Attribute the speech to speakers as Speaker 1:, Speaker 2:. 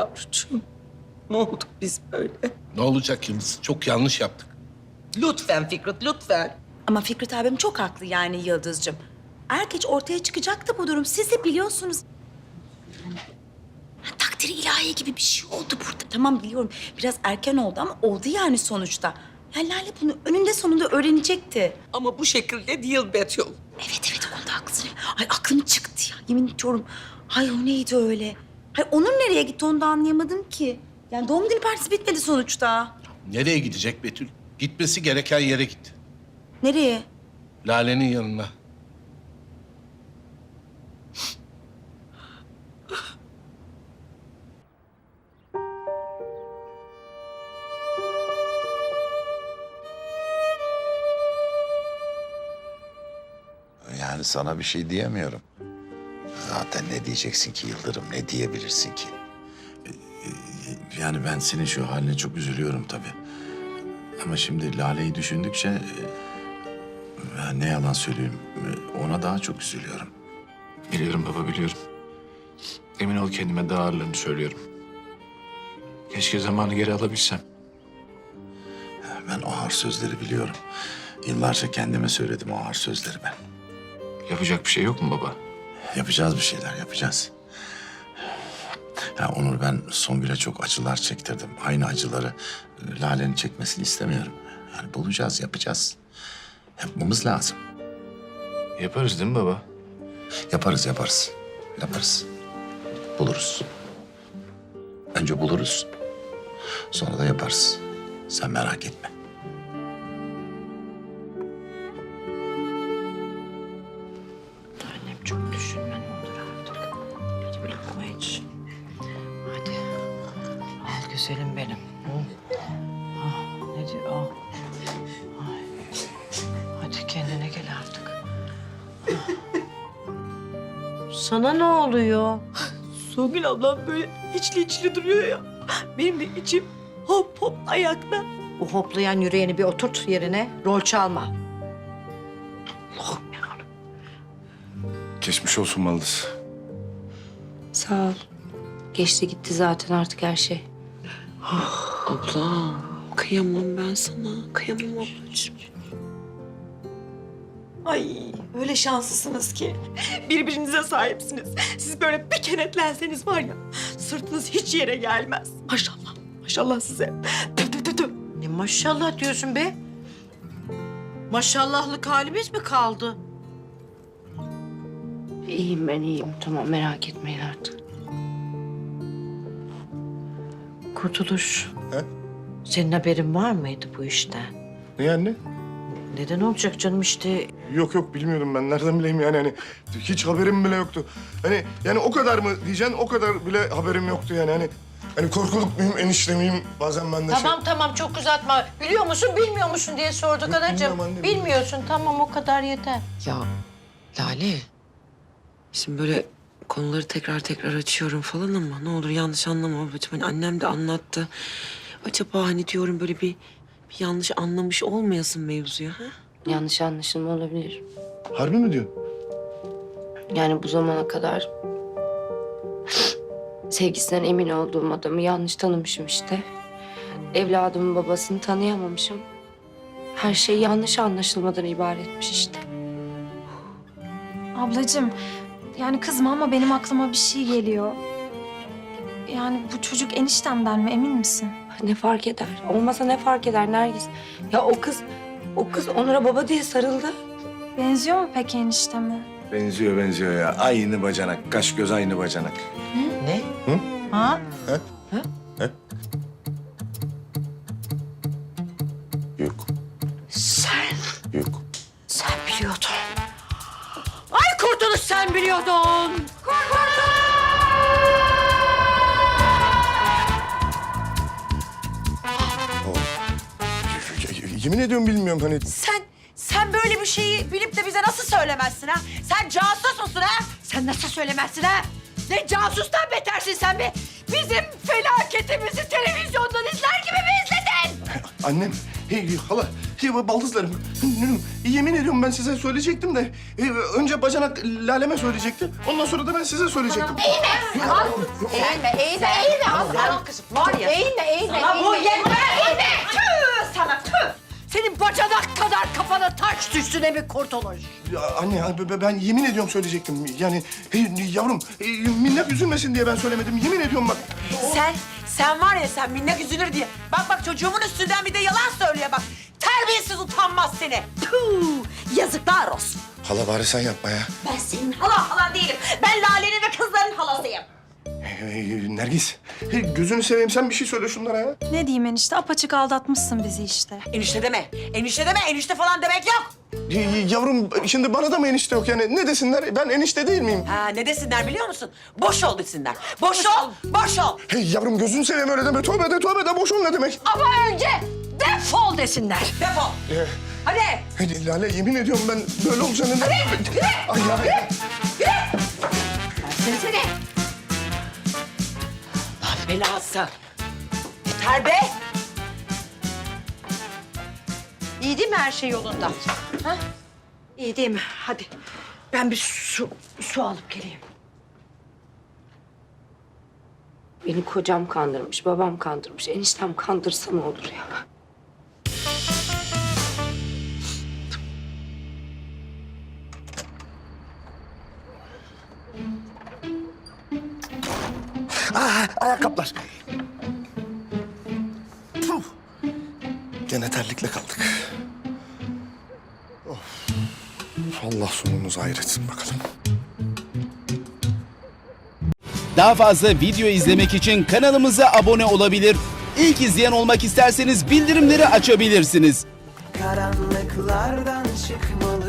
Speaker 1: yavrucuğum. Ne olduk biz böyle?
Speaker 2: Ne olacak Yıldız? Çok yanlış yaptık.
Speaker 1: Lütfen Fikret, lütfen.
Speaker 3: Ama Fikret abim çok haklı yani Yıldız'cığım. Er geç ortaya çıkacaktı bu durum. Siz de biliyorsunuz. Takdiri ilahi gibi bir şey oldu burada. Tamam biliyorum biraz erken oldu ama oldu yani sonuçta. Ya Lale bunu önünde sonunda öğrenecekti.
Speaker 1: Ama bu şekilde değil Betül.
Speaker 3: Evet o konuda haklısın. Ay aklım çıktı ya yemin ediyorum. Ay o neydi öyle? Ay Onur nereye gitti onu da anlayamadım ki. Yani doğum günü partisi bitmedi sonuçta.
Speaker 2: Nereye gidecek Betül? Gitmesi gereken yere gitti.
Speaker 3: Nereye?
Speaker 2: Lale'nin yanına.
Speaker 4: Yani sana bir şey diyemiyorum. Zaten ne diyeceksin ki Yıldırım, ne diyebilirsin ki?
Speaker 5: Yani ben senin şu haline çok üzülüyorum tabii. Ama şimdi Lale'yi düşündükçe... ne yalan söyleyeyim, ona daha çok üzülüyorum.
Speaker 6: Biliyorum baba, biliyorum. Emin ol kendime daha ağırlarını söylüyorum. Keşke zamanı geri alabilsem.
Speaker 5: Ben o ağır sözleri biliyorum. Yıllarca kendime söyledim o ağır sözleri ben.
Speaker 6: Yapacak bir şey yok mu baba?
Speaker 5: Yapacağız bir şeyler, yapacağız. Ya Onur, ben Songül'e çok acılar çektirdim. Aynı acıları Lale'nin çekmesini istemiyorum. Yani bulacağız, yapacağız. Yapmamız lazım.
Speaker 6: Yaparız değil mi baba?
Speaker 5: Yaparız. Yaparız. Buluruz. Önce buluruz. Sonra da yaparız. Sen merak etme.
Speaker 7: Annem çok düşünme ne olur artık. Hadi bir lokma iç. Hadi. Al güzelim benim. Hı? Ah, ne diyor? Ah. Ay. Hadi kendine gel artık. Ah. Sana ne oluyor?
Speaker 3: Songül ablam böyle içli duruyor ya. Benim de içim hop hop ayakta.
Speaker 7: Bu hoplayan yüreğini bir oturt yerine. Rol çalma. Allah'ım yarabbim.
Speaker 6: Geçmiş olsun Maldız.
Speaker 8: Sağ ol. Geçti gitti zaten artık her şey.
Speaker 9: Abla, kıyamam ben sana. Kıyamam ablacığım.
Speaker 3: Ay öyle şanslısınız ki. Birbirinize sahipsiniz. Siz böyle bir kenetlenseniz var ya sırtınız hiç yere gelmez. Maşallah. Maşallah size. Tü tü tü tü.
Speaker 7: Ne maşallah diyorsun be? Maşallahlık halimiz mi kaldı?
Speaker 8: İyiyim ben iyiyim. Tamam merak etmeyin artık.
Speaker 7: Kurtuluş.
Speaker 5: He?
Speaker 7: Senin haberin var mıydı bu işten?
Speaker 10: Ne anne?
Speaker 7: Neden olacak canım işte?
Speaker 10: Yok bilmiyordum ben. Nereden bileyim yani hani hiç haberim bile yoktu. Hani yani o kadar mı diyeceksin o kadar bile haberim yoktu yani hani korkuluk muyum enişte miyim bazen ben de
Speaker 7: Tamam çok uzatma. Biliyor musun bilmiyor musun diye sorduk
Speaker 10: Yok,
Speaker 7: anacığım.
Speaker 10: bilmiyorum anne,
Speaker 7: Bilmiyorsun tamam o kadar yeter.
Speaker 9: Ya Lale, şimdi böyle konuları tekrar açıyorum falan ama ne olur yanlış anlama ablacığım. Hani annem de anlattı. Acaba hani diyorum böyle bir yanlış anlamış olmayasın mevzuyu ha?
Speaker 8: Yanlış anlaşılma olabilir.
Speaker 10: Harbi mi diyorsun?
Speaker 8: Yani bu zamana kadar sevgisinden emin olduğum adamı yanlış tanımışım işte. Evladımın babasını tanıyamamışım. Her şey yanlış anlaşılmadan ibaretmiş işte.
Speaker 11: Ablacığım, yani kızma ama benim aklıma bir şey geliyor. Yani bu çocuk eniştemden mi, emin misin?
Speaker 8: Ne fark eder? Olmasa ne fark eder Nergis? Ya o kız Onur'a baba diye sarıldı.
Speaker 11: Benziyor mu peki enişteme?
Speaker 5: Benziyor ya. Aynı bacanak. Kaş göz aynı bacanak.
Speaker 7: Ne?
Speaker 5: Hı?
Speaker 7: Ha?
Speaker 5: Yok.
Speaker 7: Sen
Speaker 5: Yok.
Speaker 7: biliyordun. Ay Kurtuluş sen biliyordun.
Speaker 10: Yemin ediyorum bilmiyorum hani.
Speaker 3: Sen böyle bir şeyi bilip de bize nasıl söylemezsin ha? Sen casus musun ha? Sen nasıl söylemezsin ha? Ne casustan betersin sen be? Bizim felaketimizi televizyondan izler gibi mi izledin?
Speaker 10: Annem Hala, baldızlarım. Yemin ediyorum ben size söyleyecektim de... önce bacanak Lale'me söyleyecekti. Ondan sonra da ben size söyleyecektim.
Speaker 3: Eğilme. Al kızım. Var ya. Eğilme. Sana bu yeter. Tüh sana tüh. Senin bacanak kadar kafana taş düşsün mi kurtuluş?
Speaker 10: Ya anne ya, ben yemin ediyorum söyleyecektim. Yani yavrum minnak üzülmesin diye ben söylemedim. Yemin ediyorum bak.
Speaker 3: Sen var ya sen minnak üzülür diye. Bak çocuğumun üstünden bir de yalan söylüyor bak. Terbiyesiz utanmaz seni. Tüh, yazıklar olsun.
Speaker 10: Hala bari sen yapma ya.
Speaker 3: Ben senin halan değilim. Ben Lale'nin ve kızların halasıyım.
Speaker 10: Nergis, gözünü seveyim sen bir şey söyle şunlara ya.
Speaker 11: Ne diyeyim enişte? Apaçık aldatmışsın bizi işte.
Speaker 3: Enişte deme. Enişte falan demek yok.
Speaker 10: Yavrum şimdi bana da mı enişte yok yani? Ne desinler? Ben enişte değil miyim?
Speaker 3: Ha ne desinler biliyor musun? Boş ol desinler. Boş ol.
Speaker 10: Yavrum gözünü seveyim öyle deme. Tövbe de boş ol ne demek?
Speaker 3: Ama önce defol desinler. Defol. Hadi.
Speaker 10: Lale yemin ediyorum ben böyle olacağını...
Speaker 3: Yürü.
Speaker 10: Ay ya.
Speaker 3: Seni. Allah belası. Yeter be. İyi değil mi her şey yolunda? Ha? İyi değil mi? Hadi. Ben bir su alıp geleyim.
Speaker 8: Beni kocam kandırmış, babam kandırmış. Eniştem kandırsa ne olur ya?
Speaker 10: Ayakkabılar. Puh. Gene terlikle kaldık. Of. Allah sonumuzu hayretsin bakalım.
Speaker 12: Daha fazla video izlemek için kanalımıza abone olabilir. İlk izleyen olmak isterseniz bildirimleri açabilirsiniz.
Speaker 13: Karanlıklardan çıkmalı